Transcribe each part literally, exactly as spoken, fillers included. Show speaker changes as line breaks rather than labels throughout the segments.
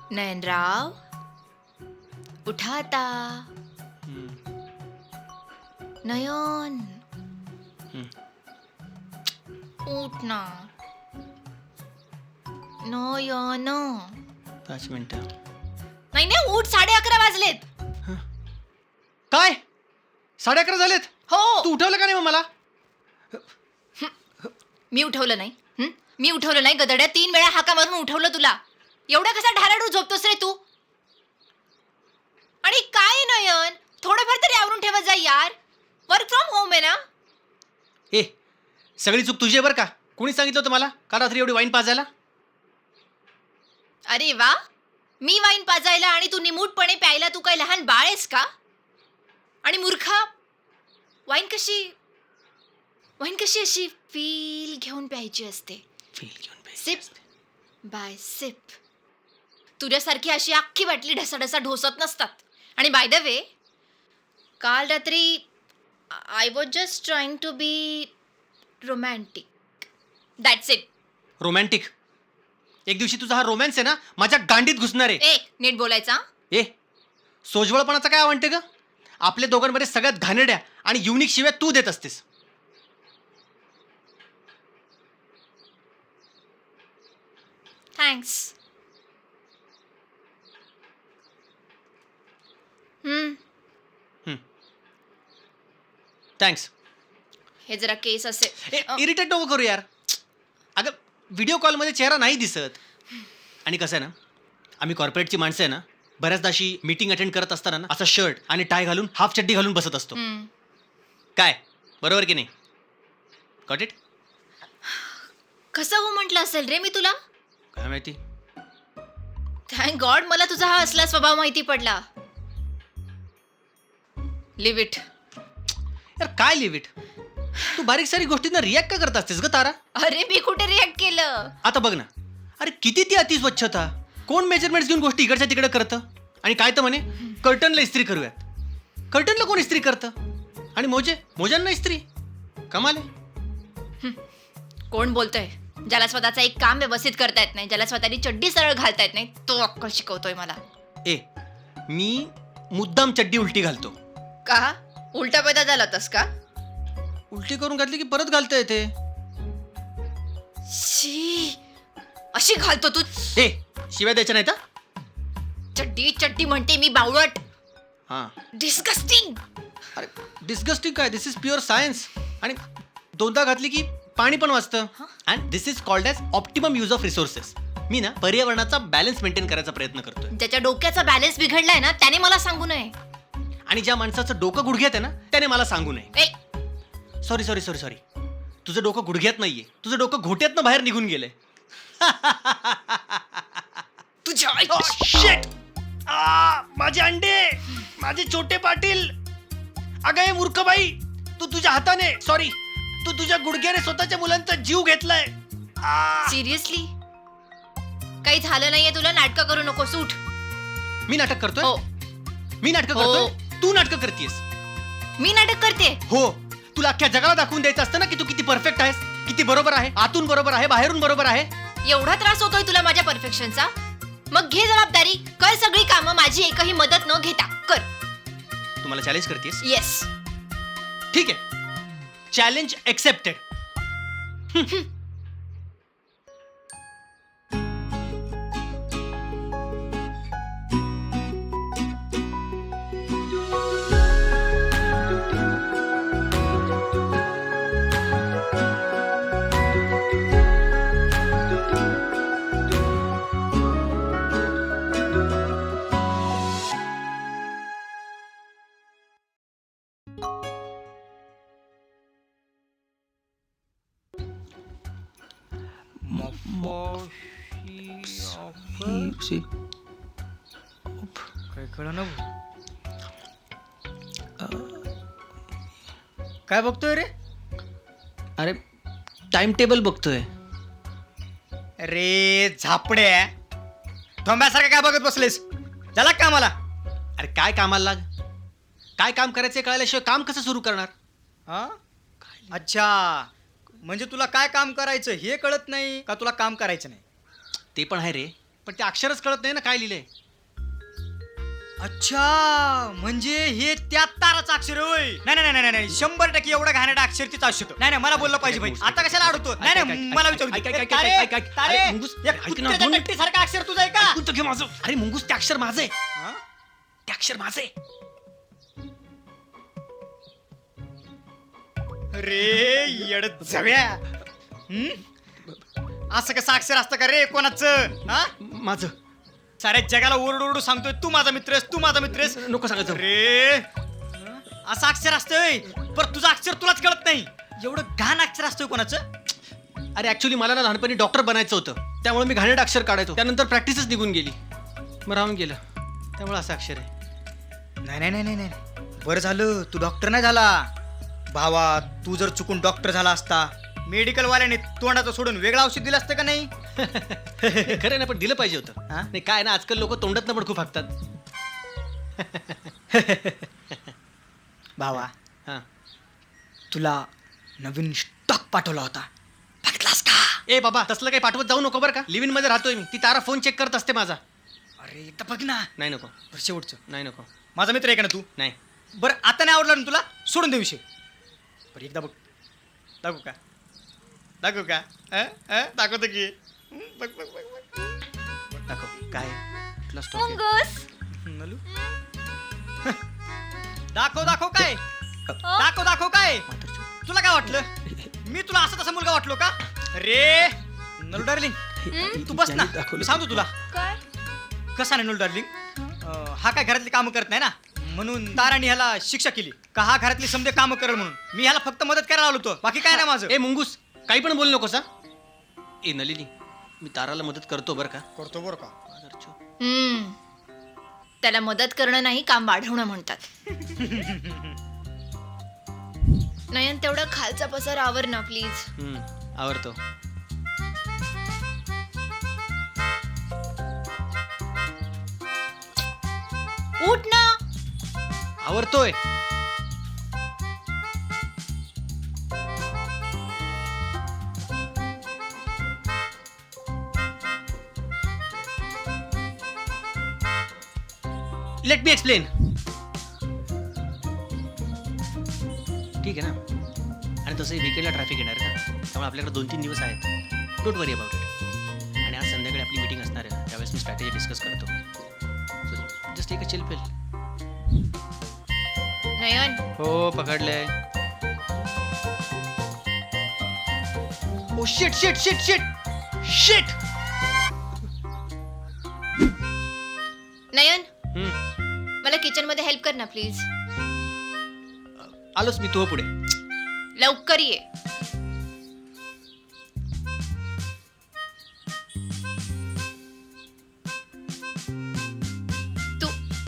नयनराव उठा आता. नयन उठ ना. नयन
पाच मिनिटं.
नाही नाही उठ. साडे अकरा वाजलेत.
काय साडे अकरा झालेत?
हो.
तू उठवलं का नाही मग मला?
मी उठवलं नाही. हं? मी उठवलं नाही गदड्या. तीन वेळा हाका मारून उठवलं तुला. एवढा कसा ढाराडू झोपतोस रे तू? आणि काय नयन, थोडंफार तरी आवरून ठेवत जा यार. वर्क फ्रॉम होम आहे ना.
ए सगळी चूक तुझी आहे बरं का. कोणी सांगितलं होतं मला काल रात्री एवढी वाईन पाजायला?
अरे वा, मी वाईन पाजायला आणि तू निमूटपणे प्यायला. तू काय लहान बाळ आहेस का? आणि मूर्खा, वाईन कशी वाईन कशी अशी फील घेऊन प्यायची असते.
फील घेऊन प्यायची
सिप
असते.
Bye SIP. तुझ्यासारखी अशी अख्खी बाटली ढसाढसा ढोसत नसतात. आणि बाय द वे, काल रात्री I was just trying to be romantic. That's it.
Romantic? एक दिवशी तुझा हा रोमॅन्स आहे ना माझ्या गांडीत घुसणार आहे.
ए नीट बोलायचा.
ए सोजवळपणाचा काय आवडते ग? आपल्या दोघांमध्ये सगळ्यात घाणेरड्या आणि युनिक शिव्या तू देत असतेस.
थँक्स. हम्म
थँक्स.
हे जरा केस असे
इरिटेट नको करू यार. अगं व्हिडिओ कॉलमध्ये चेहरा नाही दिसत. आणि कसं आहे ना, आम्ही कॉर्पोरेटची माणसं आहे ना, बऱ्याचदा अशी मीटिंग अटेंड करत असताना ना असा शर्ट आणि टाय घालून हाफ चड्डी घालून बसत असतो.
हम्म.
काय बरोबर की नाही? Got it?
कसं हो म्हटलं असेल रे मी तुला.
काय माहिती.
थँक गॉड मला तुझा हा असला स्वभाव माहिती पडला. Leave it.
यार काय लिव्ह इट? तू बारीक सारी गोष्टींना रिॲक्ट का करत असतेस ग तारा?
अरे मी कुठे रिॲक्ट केलं?
आता बघ ना, अरे किती ती अतिस्वच्छता. कोण मेजरमेंट्स घेऊन गोष्टी इकडच्या तिकडे करतं? आणि काय तर म्हणे कर्टनला इस्त्री करूयात. कर्टनला कोण इस्त्री करतं? आणि मोजे मोजांना इस्त्री? कमाल आहे.
कोण बोलतोय? ज्याला स्वतःचं एक काम व्यवस्थित करता येत नाही, ज्याला स्वतःची चड्डी सरळ घालता येत नाही, तो अक्कल शिकवतोय मला.
ए मी मुद्दाम चड्डी उलटी घालतो.
का? उलटा पैदा झाला तस का?
उलटी करून घातली की परत घालता येते.
शी, अशी घालतो तू?
ए शिव्या द्यायच्या नाही तर.
चड्डी चड्डी म्हणते मी बावळट.
हां
डिस्गस्टिंग.
अरे डिस्गस्टिंग काय? This is pure science. आणि दोनदा घातली की पाणी पण वाचतं. And this is called as optimum use of resources. मी ना पर्यावरणाचा बॅलन्स मेंटेन करायचा प्रयत्न करतोय.
ज्याच्या डोक्याचा बॅलन्स बिघडलाय ना त्याने मला सांगू नये.
आणि ज्या माणसाचं डोकं गुडघ्यात आहे ना त्याने मला सांगू नये.
ए
सॉरी सॉरी सॉरी सॉरी तुझं डोकं गुडघ्यात नाहीये, तुझं डोकं घोट्यातनं बाहेर निघून गेलंय.
तुझ्या
शिट. माझे अंडे, माझे छोटे पाटील. अगं हे मूर्ख बाई, तू तुझ्या हाताने सॉरी तू तुझ्या गुडघ्याने स्वतःच्या मुलांचा जीव घेतलाय.
सिरियसली? काही झालं नाहीये तुला. नाटकं करू नको. सूट.
मी नाटक करतोय?
हो.
मी नाटक
हो.
करतोय? तू नाटक करतेस?
मी नाटक करते?
हो. तुला अख्ख्या जगाला दाखवून द्यायचं असतं ना की तू किती परफेक्ट आहेस, किती बरोबर आहे, आतून बरोबर आहे, बाहेरून बरोबर आहे.
एवढा त्रास होतोय तुला माझ्या परफेक्शनचा? मग घे जबाबदारी. कर सगळी कामं. माझी एकही मदत न घेता कर.
तू मला चॅलेंज करतेस?
येस.
ठीक आहे. Challenge accepted.
काय कळलं ना. काय बघतोय रे?
अरे टाइम टेबल बघतोय.
रे झापड्या, थोंब्यासारखं काय बघत बसलेस? झाला का मला?
अरे काय कामाला लाग. काय काम करायचं कळल्याशिवाय काम कसं सुरू करणार?
हा अच्छा, म्हणजे तुला काय काम करायचं हे कळत नाही का? तुला काम करायचं नाही
ते पण आहे रे, पण ते अक्षरच कळत नाही ना काय लिहिलंय.
अच्छा म्हणजे हे त्या ताराचं अक्षर होय. नाही नाही नाही नाही शंभर टक्के एवढं घाणेरडं अक्षर तिचं असू शकतो. नाही नाही मला बोललं पाहिजे भाई. आता कशाला अडवतो. नाही नाही मला विचारू
ऐक,
दे.
ऐक, ऐक,
तारे,
ऐक, ऐक,
तारे,
अरे, मुंगूस,
एक
ऐक ना,
कुत्र्याच्या
दोन-
टट्टीसारखं अक्षर तुझं आहे का?
ऐकून तर घे माझं. अरे मुंगूस ते अक्षर माझं आहे.
हा?
ते अक्षर माझं आहे.
अरे येड जव्या हं? असं कसं अक्षर असतं का रे कोणाचं? हा
माझं.
साऱ्या जगाला ओरडू ओरडू सांगतोय तू माझा मित्र आहेस, तू माझा मित्र आहेस.
नको सांगायचं.
अरे असं अक्षर असतंय पर तुझं अक्षर तुलाच कळत नाही. एवढं घाण अक्षर असतोय कोणाचं?
अरे ऍक्च्युली मला ना लहानपणी डॉक्टर बनायचं होतं, त्यामुळे मी घाणेरडं अक्षर काढायचो. त्यानंतर प्रॅक्टिसच निघून गेली, मग राहून गेलं. त्यामुळे असं अक्षर आहे.
नाही नाही नाही नाही नाही बरं झालं तू डॉक्टर नाही झाला. भावा तू जर चुकून डॉक्टर झाला असता मेडिकल वाल्याने तोंडाचं सोडून वेगळं औषध दिलं असतं का नाही?
खरं ना, पण दिलं पाहिजे होतं.
हा?
नाही काय ना, आजकाल लोक तोंडात पण खूप हाकतात.
भावा
हा.
तुला नवीन स्टॉक पाठवला होता, बघितलास का?
ए बाबा तसलं काही पाठवत जाऊ नको बरं का. लिव्हिन मध्ये राहतोय मी. ती तारा फोन चेक करत असते माझा.
अरे एकदा बघ ना.
नाही नको.
बरं, शेवटचं
नाही नको.
माझा मित्र आहे का ना तू?
नाही.
बरं आता नाही आवडला ना तुला, सोडून दे विषय. बरं एकदा बघ. दाखवू का? दाखवू का? अं? अं? दाखवतो की. हं? बघ बघ बघ बघ.
दाखव काय कुठला स्टॉक आहे?
मुंगूस
नलू दाखव दाखव काय दाखव दाखव काय तुला काय वाटलं मी तुला असं तसा मुलगा वाटलो का रे? नलू डार्लिंग तू बस ना, मी सांगतो तुला
काय
कसा नाही. नलू डार्लिंग अं, हा काय घरातली कामं करत नाही ना, म्हणून ताराने ह्याला शिक्षा केली का हा घरातली समजे कामं करेल म्हणून. मी ह्याला फक्त मदत करायला आलो होतो, बाकी काय नाही माझं.
ए मुंगूस काही पण बोलू नकोस हा. ए नलिनी मी ताराला मदत करतो बरं का.
करतो बरं का?
हम्म त्याला मदत करणं नाही, काम वाढवणं म्हणतात. नयन तेवढा खालचा पसार आवर ना प्लीज.
हम्म, आवडतो.
उठ ना.
आवडतोय. Let me explain. ठीक आहे ना. आणि तसंही विकेंडला ट्रॅफिक येणार आहे ना, त्यामुळे आपल्याकडे दोन तीन दिवस आहेत. Don't worry about it. आणि आज संध्याकाळी आपली मीटिंग असणार आहे, त्यावेळेस मी स्ट्रॅटेजी डिस्कस करतो. So just take a chill pill.
Nayan
हो पकडलंय. Oh shit shit shit shit shit.
Nayan
हम्म,
मला किचन मध्ये हेल्प कर ना प्लीज.
आलोच मी तू पुढे.
लवकर ये. तू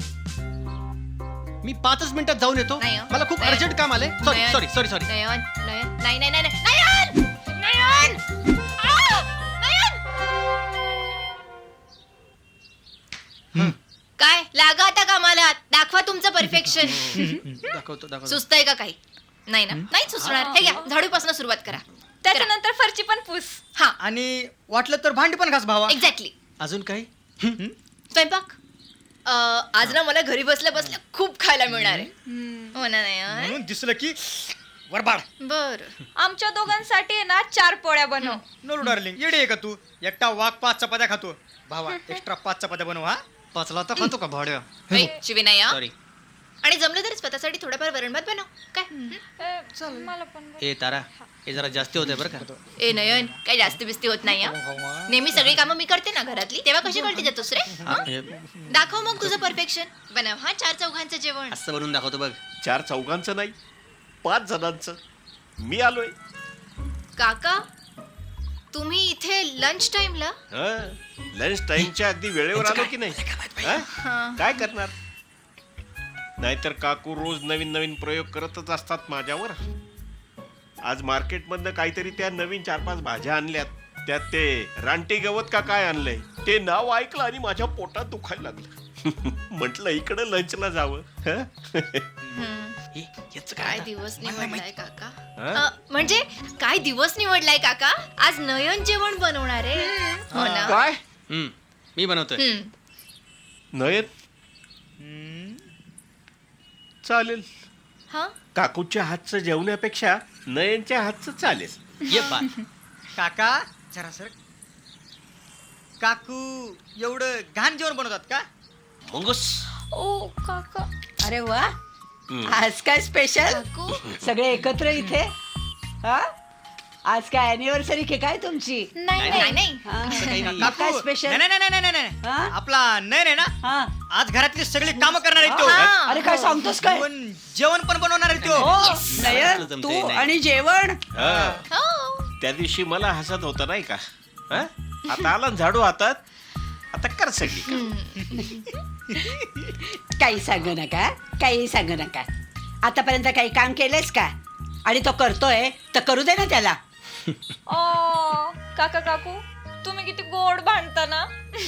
मी पाचच मिनिटात जाऊन येतो.
नाही हो.
मला खूप
नाही.
अर्जंट काम आलंय. Sorry
Nayan.
Sorry sorry sorry.
Nayan Nayan नाही नाही नाही नाही. नयन नयन आ! नयन काय लागा आता कामाला. दाखवा तुमचं परफेक्शन.
दाखवतो दाखवतो.
सुस्त आहे का काही? नाही ना, नाही सुचणार. हे घ्या झाडूपासून सुरुवात करा.
त्याच्यानंतर फरची पण पुस.
हा
आणि वाटलं तर भांडी पण घास भावा.
एक्झॅक्टली.
अजून काही?
स्वयंपाक अं, आज ना मला घरी बसल्या बसल्या खूप खायला मिळणार आहे. हो ना नयन?
म्हणून दिसलं की वरबाड.
बर
आमच्या दोघांसाठी आहे ना चार पोळ्या बनव.
नलू डार्लिंग येडी आहे का तू? एकटा वाघ पाच चपात्या खातो, भावा एक्स्ट्रा पाच चपात्या बनव. हा
पाचला तर खातो का भाड्या?
शिविनाया
सॉरी.
आणि जमलं तर स्वतःसाठी थोडंफार वरण भात बनव काय.
अ, मला पण बनव.
ए तारा हे जरा जास्ती होतंय बरं का.
ए नयन काही जास्ती बिस्ती होत नाही हं? नेहमी सगळी कामं मी करते ना घरातली, तेव्हा कशी कळते जातोस रे? हं?
हे
दाखव मग तुझं परफेक्शन. बनव हा चार चौघांचं जेवण.
असं बनवून दाखवतो बघ.
चार चौघांचं नाही, पाच जणांचं. मी आलोय.
काका तुम्ही इथे लंच टाइमला?
लंच टाइमच्या अगदी वेळेवर आलो की नाही? हं? काय करणार? नाहीतर काकू रोज नवीन नवीन प्रयोग करतच असतात माझ्यावर. आज मार्केटमधनं काहीतरी त्या नवीन चार पाच भाज्या आणल्यात, त्यात ते रानटी गवत का काय आणलंय ते नाव ऐकलं आणि माझ्या पोटात दुखायला लागलं. म्हटलं इकडं लंचला जावं. हं?
हे, याचं
काय
काय?
दिवस निवडलाय काका.
हं?
अ, म्हणजे काय दिवस निवडलाय काका? आज नयन जेवण बनवणार आहे. हो ना.
काय?
हम्म. मी बनवतोय.
हम्म.
नयन
हम्म,
चालेल.
हा
काकूच्या हातचं जेवण्यापेक्षा नयनच्या हातचं चालेल.
ये बा.
काका जरा सर काकू एवढं घाण जेवण बनवतात का?
मंगूस.
ओ काका
अरे वा आज काय स्पेशल
काकू
सगळे एकत्र इथे हा आज काय अॅनिव्हर्सरी की काय तुमची
नाही नाही नाही
हा.
काही नाही.
मग काय
काकू
स्पेशल
नाही नाही नाही नाही नाही
हा?
नाही. आपला नयन आहे ना
हा
आज घरातली सगळी कामं करणार आहे तो
हा.
अरे काय सांगतोस काय
जेवण जेवण पण बनवणार आहे तो
हो
Yes.
नयन
जमतंय,
तू
नाही.
आणि जेवण
हा.
हो
त्या दिवशी मला हसत होता नाही का? हा? आता आला ना झाडू हातात, आता कर सगळी कामं.
काही सांगू नका काही सांगू नका आतापर्यंत काही काम केलंयस का आणि तो करतोय तर करू दे ना त्याला
ओ काका काकू तुम्ही किती गोड भांडता ना.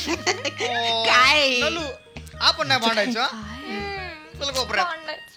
काय
नलू, आपण नाही भांडायचं हा?
हम्म,
चल कोपऱ्यात.
भांडायचं.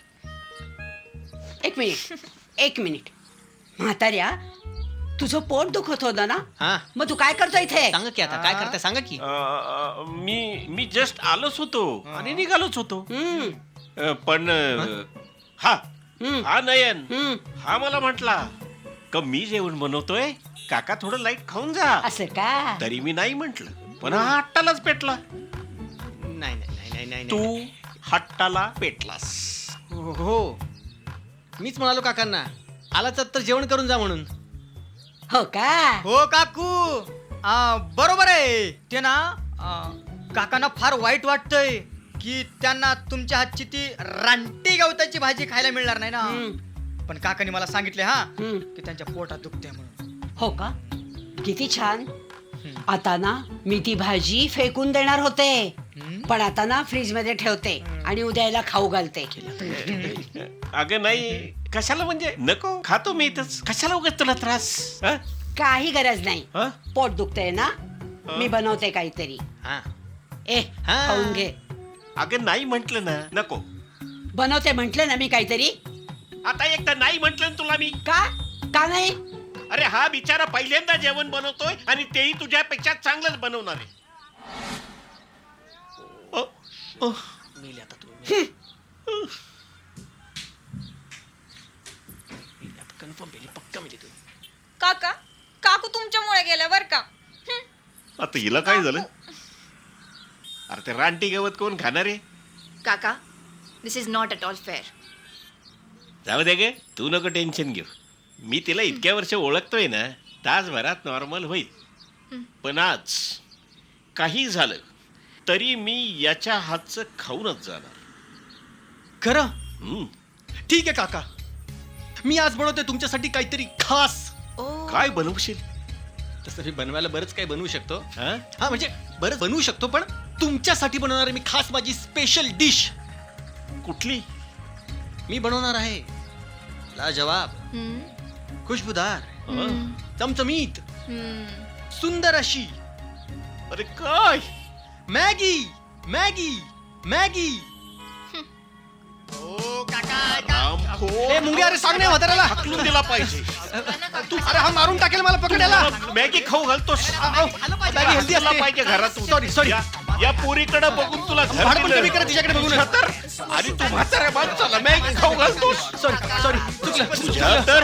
एक मिनिट एक मिनिट म्हाताऱ्या तुझं पोट दुखत होतं ना
हा
मग तू काय करतो इथे
सांगा की आता काय करताय सांगा की.
अ, मी मी जस्ट आलोच होतो आणि निघालोच होतो.
हम्म,
अ, पण अ, हा
हम्म,
हा नयन
हम्म.
हा मला म्हटला का मी जेवण बनवतोय, काका थोडं लाईट खाऊन जा.
असं का
तरी मी नाही म्हंटल, पण हा हट्टालाच पेटला.
नाही नाही नाही नाही नाही
तू
नाही.
हट्टाला पेटलास.
हो हो. मीच म्हणालो काकांना आलाच तर जेवण करून जा म्हणून.
हो का
हो काकू आ, बरोबर आहे ते ना आ, काकांना फार वाईट वाटतंय की त्यांना तुमच्या हातची ती रानटी गवताची भाजी खायला मिळणार नाही ना.
हम्म,
पण काकांनी मला सांगितले हा
हम्म.
की त्यांच्या पोटात दुखते म्हणून.
हो का किती छान आता ना मी ती भाजी फेकून देणार होते
हम्म.
पण आता ना फ्रीज मध्ये ठेवते आणि उद्या याला खाऊ घालते
अगं नाही, कशाला म्हणजे नको, खातो मी इथंच. कशाला उगाच तुला त्रास? हा?
काही गरज नाही
हा?
पोट दुखतंय ना मी बनवते काहीतरी
हा
ए
हा.
खाऊन घे
अगं नाही म्हंटल ना, नको.
बनवते म्हंटल ना मी काहीतरी
आता एकदा नाही म्हंटल ना तुला मी.
का का नाही
अरे हा बिचारा पहिल्यांदा जेवण बनवतोय आणि तेही तुझ्यापेक्षा चांगलंच बनवणार आहे. अ, अ,
मेली आता तू मेली. मेली आता कन्फर्म मेली पक्का मेली तू.
काका काकू तुमच्यामुळे गेल्या बर का. हम्म.
आता हिला काय झालं? अरे ते रानटी गवत कोण खाणार आहे?
काका this is not at all fair.
जाऊ दे गे, तू नको टेन्शन घेऊ. मी तिला इतक्या वर्ष ओळखतोय ना, तासभरात नॉर्मल होईल. पण आज काही झालं तरी मी याच्या हातचं खाऊनच जाणार.
खरं
हम्म.
ठीक आहे काका मी आज बनवतोय तुमच्यासाठी काहीतरी खास.
ओ
काय बनवशील?
तसं मी बनवायला बरंच काही बनवू शकतो.
हा?
हा म्हणजे बरंच बनवू शकतो पण तुमच्यासाठी बनवणार आहे मी खास माझी स्पेशल डिश.
कुठली?
मी बनवणार आहे लाजवाब,
हम्म,
खुशबुदार,
हं?
चमचमीत,
हम्म.
सुंदर अशी
अरे काय?
Maggi Maggi Maggi.
हो काका
रामखोर.
ए मुंगे अरे सांग नाही म्हाताऱ्याला.
हाकलून दिला पाहिजे.
तू अरे हा मारून टाकेल मला पकडायला.
मॅगी खाऊ घालतोस.
मॅगी हेल्दी
तुला
असते.
पाहिजे घरातून.
सॉरी सॉरी
या- या पोरीकडे बघून तुला घर
भाडं पण
दिलं.
कमी करा तिच्याकडे बघून.
तर आणि तू म्हाताऱ्या माणसाला मॅगी खाऊ घालतोस.
सॉरी सॉरी चुकलं
तुझ्या तर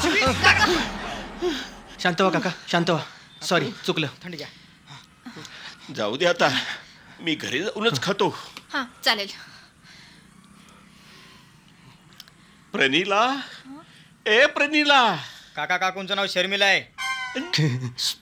शांत व्हा काका शांत व्हा. सॉरी चुकलं.
थंडी घ्या.
जाऊ दे आता, मी घरी जाऊनच खातो.
हा चालेल.
प्रणीला, ए प्रणीला.
काका काकूंचं नाव शर्मिला आहे.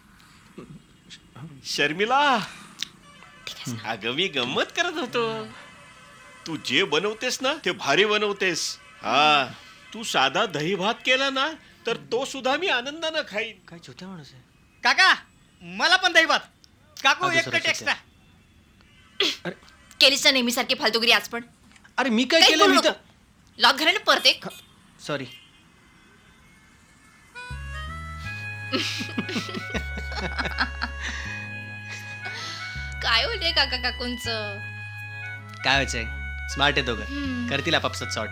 शर्मिला, अगं मी गंमत करत होतो. तू जे बनवतेस ना ते भारी बनवतेस. हा, तू साधा दही भात केला ना तर तो सुद्धा मी आनंदानं खाईन.
काय छोट्या माणूस आहे.
काका मला पण दही भात. काकू
हा,
एक
दुसरा
कट एक्स्ट्रा.
केलीस ना नेहमीसारखी फालतूगिरी आज पण.
अरे मी काय
काही
केलं
बोलू
मी
नको.
तर
लॉक घराने परत एक.
सॉरी.
काय होते काका काकूंच.
काय व्हायचंय स्मार्ट आहे दोघं
हम्म.
करतील आपापसात सॉर्ट.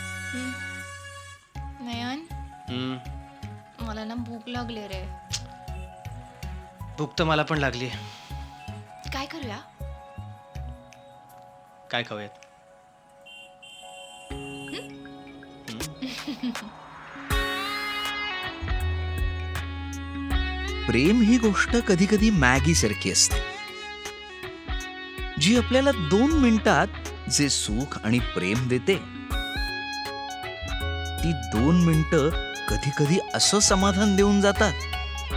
नयन
हम्म
मला ना भूक लागली रे.
भूक तर मला पण लागली.
काय करूया?
काय खाऊयात?
प्रेम ही गोष्ट कधी कधी मॅगी सारखी असते, जी आपल्याला दोन मिनिटात जे सुख आणि प्रेम देते, ती दोन मिनिटं कधी कधी असं समाधान देऊन जातात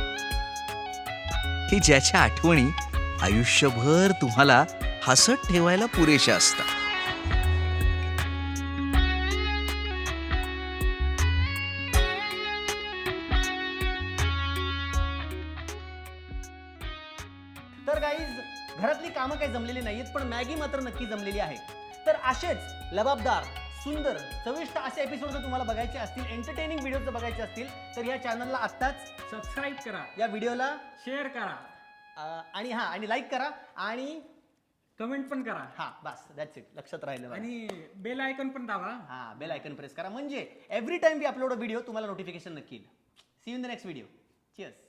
की ज्याच्या आठवणी आयुष्यभर तुम्हाला हसत ठेवायला पुरेशा असतात.
तर गाईज, घरातली कामं काही जमलेली नाहीत, पण मॅगी मात्र नक्की जमलेली आहे. तर असेच लबाबदार, सुंदर, चविष्ट असे एपिसोड जर तुम्हाला बघायचे असतील, एंटरटेनिंग व्हिडिओ जर बघायचे असतील, तर या चॅनलला आत्ताच
सबस्क्राईब करा,
या व्हिडिओला
शेअर करा,
अं, आणि हा आणि लाईक करा आणि
कमेंट पण करा
हा बस दॅट्स इट. लक्षात राहिलं बघा.
आणि बेल आयकॉन पण दाबा.
हा बेल आयकन प्रेस करा, म्हणजे every time we upload a video तुम्हाला नोटिफिकेशन नक्की येईल. See you in the next video. Cheers.